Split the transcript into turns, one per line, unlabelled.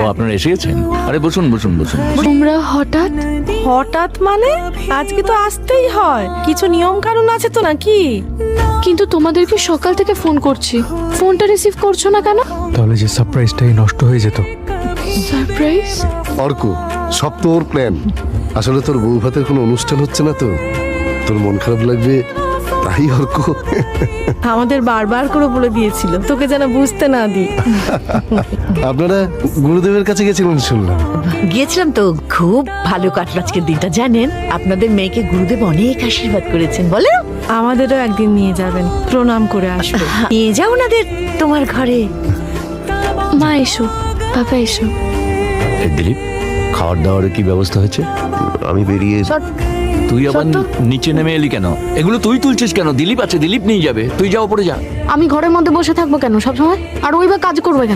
ও আপনারা এসে গেছেন? আরে বসুন বসুন বসুন।
তোমরা হঠাৎ?
হঠাৎ মানে আজকে তো আসতেই হয়, কিছু নিয়ম কানুন আছে তো নাকি?
কিন্তু তোমাদেরকে সকাল থেকে ফোন করছি, ফোনটা রিসিভ করছো না কেন?
তাহলে যে সারপ্রাইজটাই নষ্ট হয়ে যেত।
সারপ্রাইজ?
অর্ক, সব তো ওর প্ল্যান। আসলে তোর বউ ভাতের কোনো অনুষ্ঠান হচ্ছে না তো, তোর মন খারাপ লাগবে তাই অর্ক।
আমাদের বারবার করে বলে দিয়েছিল তোকে যেন বুঝতে না দিই।
আপনারা গুরুদেবের কাছে গেছিলেন শুনলাম।
গিয়েছিলাম তো, খুব ভালো কাটলো আজকের দিনটা। জানেন, আপনাদের মেয়েকে গুরুদেব অনেক আশীর্বাদ করেছেন। বলে
আমাদেরও একদিন নিয়ে যাবেন, প্রণাম করে আসবে।
নিয়ে যাও ওনাদের তোমার ঘরে।
মা এসো, বাবা এসো।
এই দিলীপ, খাওয়ার দাওয়ারের কি ব্যবস্থা হয়েছে?
আমি বেরিয়ে
তুই আবার নিচে নেমে এলি কেন? এগুলো তুই তুলছিস কেন? দিলীপ আছে, দিলীপ নিয়ে যাবে। তুই যাও, পরে যা।
আমি ঘরের মধ্যে বসে থাকবো কেন সবসময়? আর ওই বা কাজ করবে কেন?